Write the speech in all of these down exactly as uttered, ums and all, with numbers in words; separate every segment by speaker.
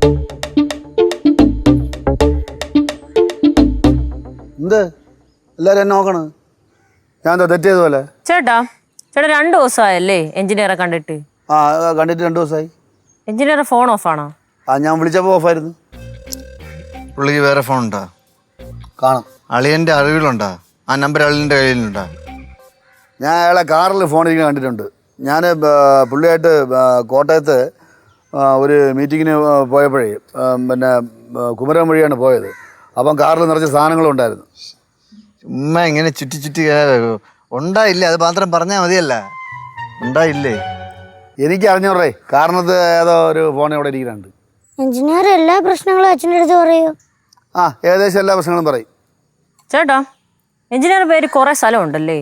Speaker 1: എന്ത് എല്ലാരും എന്നെ നോക്കണ്? ഞാൻ എന്താ തെറ്റ് ചെയ്തപോലെ?
Speaker 2: ചേട്ടാ ചേട്ടാ രണ്ടു ദിവസമായല്ലേ എഞ്ചിനീയറെ കണ്ടിട്ട്?
Speaker 1: ആ കണ്ടിട്ട് രണ്ടു ദിവസമായി.
Speaker 2: എഞ്ചിനീയറെ ഫോൺ ഓഫ് ആണോ?
Speaker 1: ആ ഞാൻ വിളിച്ചപ്പോൾ ഓഫായിരുന്നു.
Speaker 3: പുള്ളിക്ക് വേറെ ഫോൺ ഉണ്ടോ?
Speaker 1: കാണും.
Speaker 3: അളിയൻ്റെ അറിവിലുണ്ടോ? ആ നമ്പർ അളിയൻ്റെ കയ്യിലുണ്ടോ?
Speaker 1: ഞാൻ അയാളെ കാറിൽ ഫോണിരിക്കുന്ന കണ്ടിട്ടുണ്ട്. ഞാൻ പുള്ളിയായിട്ട് കോട്ടയത്ത് ഒരു മീറ്റിങ്ങിന് പോയപ്പോഴേ പിന്നെ കുമരകം വഴിയാണ് പോയത്. അപ്പം കാറിൽ നിറച്ച സാധനങ്ങളുണ്ടായിരുന്നു.
Speaker 3: ഉമ്മ ഇങ്ങനെ ചുറ്റി ചുറ്റി ഉണ്ടായില്ലേ? അത് മാത്രം പറഞ്ഞാൽ മതിയല്ല. ഉണ്ടായില്ലേ?
Speaker 1: എനിക്ക് അറിഞ്ഞോറേ കാരണത്ത് ഏതോ ഒരു ഫോൺ ഇവിടെ ഇരിക്കുന്നുണ്ട്.
Speaker 4: എഞ്ചിനീയർ എല്ലാ പ്രശ്നങ്ങളും അച്ഛൻ്റെ അടുത്ത് പറയൂ.
Speaker 1: ആ ഏകദേശം എല്ലാ പ്രശ്നങ്ങളും പറയും.
Speaker 2: ചേട്ടാ എഞ്ചിനീയർ പേര് കുറെ സ്ഥലം ഉണ്ടല്ലേ?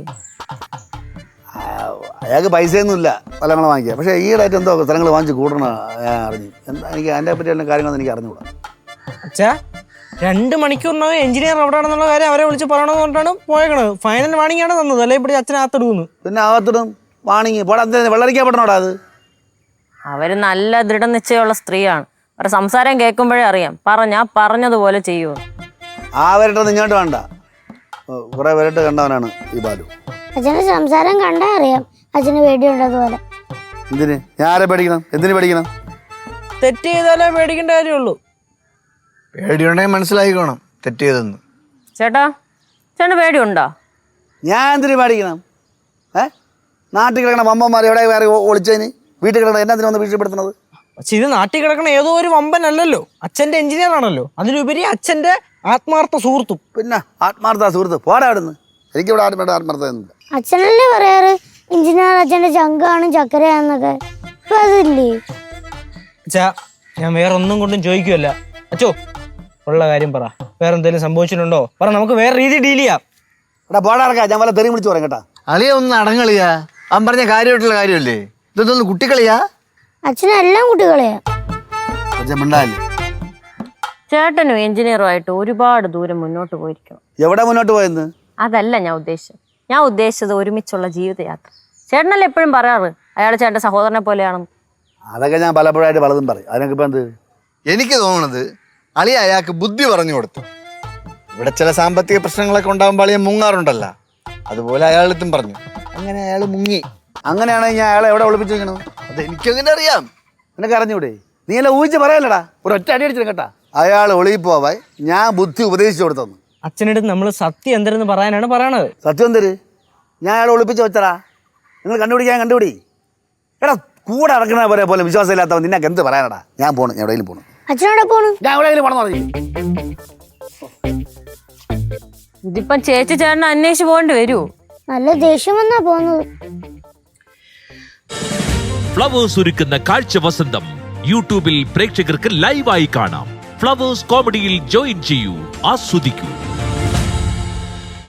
Speaker 1: അയാൾക്ക് പൈസയൊന്നുമില്ല സ്ഥലങ്ങൾ വാങ്ങിക്കുക. പക്ഷേ ഈയിടെയായിട്ട് എന്തോ സ്ഥലങ്ങൾ വാങ്ങിച്ച് കൂട്ടണം ഞാൻ അറിഞ്ഞു. എന്താ എനിക്ക് അതിനെ പറ്റി എല്ലാ കാര്യങ്ങളൊന്നും എനിക്ക് അറിഞ്ഞുകൂടാ.
Speaker 5: അച്ഛാ രണ്ട് മണിക്കൂറിനകം എഞ്ചിനീയർ എവിടെയാണെന്നുള്ള കാര്യം അവരെ വിളിച്ച് പറയണമെന്ന് പറഞ്ഞിട്ടാണ് പോയേക്കണത്. ഫൈനൽ വാണിംഗ് ആണ് തന്നത്. അല്ലെ ഇവിടെ അച്ഛനെ അകത്തിടുന്നു. പിന്നെ
Speaker 1: അകത്തിടും വാണിങ് പോടാ. വെള്ളരിക്കാൻ പറ്റണോടാ അത്?
Speaker 2: അവര് നല്ല ദൃഢനിശ്ചയമുള്ള സ്ത്രീയാണ്. അവരുടെ സംസാരം കേൾക്കുമ്പോഴേ അറിയാം പറഞ്ഞാ പറഞ്ഞതുപോലെ ചെയ്യുമോ.
Speaker 1: ആ വരട്ടെ ഇങ്ങോട്ട് വേണ്ട. കുറെ വരട്ട് കണ്ടവനാണ് ഈ ബാലു.
Speaker 4: അച്ഛൻ്റെ സംസാരം കണ്ടാ അറിയാം അച്ഛന് പേടിയുണ്ടതുപോലെ.
Speaker 1: എന്തിന്? ഞാൻ ആരെ പേടിക്കണം? എന്തിനു പേടിക്കണം?
Speaker 5: തെറ്റ് ചെയ്താലേ പേടിക്കേണ്ട കാര്യമുള്ളൂ.
Speaker 3: പേടിയുണ്ടെങ്കിൽ മനസ്സിലായിക്കോണം തെറ്റ് ചെയ്തെന്ന്.
Speaker 2: ചേട്ടാ ചേട്ടന് പേടിയുണ്ടോ?
Speaker 1: ഞാൻ എന്തിനു പേടിക്കണം? ഏ നാട്ടിൽ കിടക്കണ വമ്പന്മാർ എവിടെ വേറെ ഒളിച്ചതിന് വീട്ടിൽ കിടക്കണ എന്നാത്തിന് വന്ന് ഭീഷണിപ്പെടുത്തുന്നത്?
Speaker 5: പക്ഷെ ഇത് നാട്ടിൽ കിടക്കണ ഏതോ ഒരു വമ്പൻ അല്ലല്ലോ, അച്ഛൻ്റെ എഞ്ചിനീയർ ആണല്ലോ. അതിലുപരി അച്ഛൻ്റെ ആത്മാർത്ഥ സുഹൃത്തും.
Speaker 1: പിന്നെ ആത്മാർത്ഥ സുഹൃത്ത് പോടാ അവിടുന്ന്. എനിക്കിവിടെ ആത്മാർത്ഥ ആത്മാർത്ഥമൊന്നുമില്ല.
Speaker 4: അച്ഛനല്ലേ പറയാറ് എഞ്ചിനീയർ അച്ഛൻ്റെ ചങ്കാണ് ചക്കരയാന്നൊക്കെ. ഇപ്പൊ അതില്ലേ?
Speaker 5: അച്ഛാ ഞാൻ വേറെ ഒന്നും കൊണ്ടും ചോദിക്കുമല്ല. അച്ചോ ഉള്ള കാര്യം പറ. വേറെ എന്തെങ്കിലും സംഭവിച്ചിട്ടുണ്ടോ പറ, നമുക്ക് വേറെ രീതി ഡീൽ ചെയ്യാം.
Speaker 1: എടാ പോടാ ഇറക്കാം. ഞാൻ വല്ല തെറി വിളിച്ചു പറയാം കേട്ടാ.
Speaker 3: അളിയ ഒന്ന് അടങ്ങളിയാ. അവൻ പറഞ്ഞ കാര്യമായിട്ടുള്ള കാര്യമല്ലേ? ഇതൊന്നും കുട്ടിക്കളിയാ?
Speaker 4: അച്ഛനെല്ലാം കുട്ടികളെയാ.
Speaker 1: മിണ്ടാല്ലേ?
Speaker 2: ചേട്ടനും എഞ്ചിനീയറുമായിട്ട് ഒരുപാട് ദൂരം മുന്നോട്ട് പോയിരിക്കണം.
Speaker 1: എവിടെ മുന്നോട്ട് പോയെന്ന്?
Speaker 2: അതല്ല ഞാൻ ഉദ്ദേശിച്ചത്. ഞാൻ ഉദ്ദേശിച്ചത് ഒരുമിച്ചുള്ള ജീവിതയാത്ര. ചേട്ടനല്ലേ എപ്പോഴും പറയാറ് അയാൾ ചേട്ടൻ്റെ സഹോദരനെ പോലെയാണെന്ന്.
Speaker 1: അതൊക്കെ ഞാൻ പലപ്പോഴായിട്ട് പലതും പറയും. അതിനൊക്കെ ഇപ്പം എന്ത്?
Speaker 3: എനിക്ക് തോന്നുന്നത് അളിയ അയാൾക്ക് ബുദ്ധി പറഞ്ഞു കൊടുത്തു. ഇവിടെ ചില സാമ്പത്തിക പ്രശ്നങ്ങളൊക്കെ ഉണ്ടാകുമ്പോൾ അളിയ മുങ്ങാറുണ്ടല്ലോ, അതുപോലെ അയാളെത്തും പറഞ്ഞു. അങ്ങനെ അയാൾ മുങ്ങി.
Speaker 1: അങ്ങനെയാണെങ്കിൽ ഞാൻ അയാളെ എവിടെ ഒളിപ്പിച്ചു വെക്കണം?
Speaker 3: അത് എനിക്കങ്ങനെ അറിയാം.
Speaker 1: നിനക്ക് അറിഞ്ഞൂടെ? നീ എല്ലാം ഊഹിച്ച് പറയല്ലടാ. ഒരു ഒറ്റ അടി അടിച്ചിട്ട് കേട്ടാ. അയാൾ ഒളിയിൽ പോവാൻ ഞാൻ ബുദ്ധി ഉപദേശിച്ചു കൊടുത്തു.
Speaker 5: അച്ഛനടുത്ത് നമ്മൾ സത്യം എന്തെന്ന് പറയാനാണ് പറയണത്.
Speaker 1: സത്യം എന്തര്? ഞാൻ അയാൾ ഒളിപ്പിച്ച് വെച്ചടാ. നിങ്ങൾ കണ്ടുപിടിക്കാൻ കണ്ടുപിടി. എടാ കൂടെ ഇറക്കണ പോലെ പോലെ വിശ്വാസമില്ലാത്തവൻ നിനക്ക് എന്ത് പറയാനടാ? ഞാൻ പോണു. ഞാൻ എവിടെയെങ്കിലും പോണു.
Speaker 4: അച്ഛനോടെ പോണു.
Speaker 1: ഞാൻ എവിടെയെങ്കിലും പോണെന്ന് പറഞ്ഞു.
Speaker 2: ഇതിപ്പം ചേച്ചി ചേട്ടനെ അന്വേഷിച്ച് പോകേണ്ടി വരുമോ?
Speaker 4: നല്ല ദേഷ്യം വന്നാ പോകുന്നത്.
Speaker 6: ഫ്ലവേഴ്സ് ഒരുക്കുന്ന കാഴ്ച വസന്തം യൂട്യൂബിൽ പ്രേക്ഷകർക്ക് ലൈവായി കാണാം. ഫ്ലവേഴ്സ് കോമഡിയിൽ ജോയിൻ ചെയ്യൂ, ആസ്വദിക്കൂ.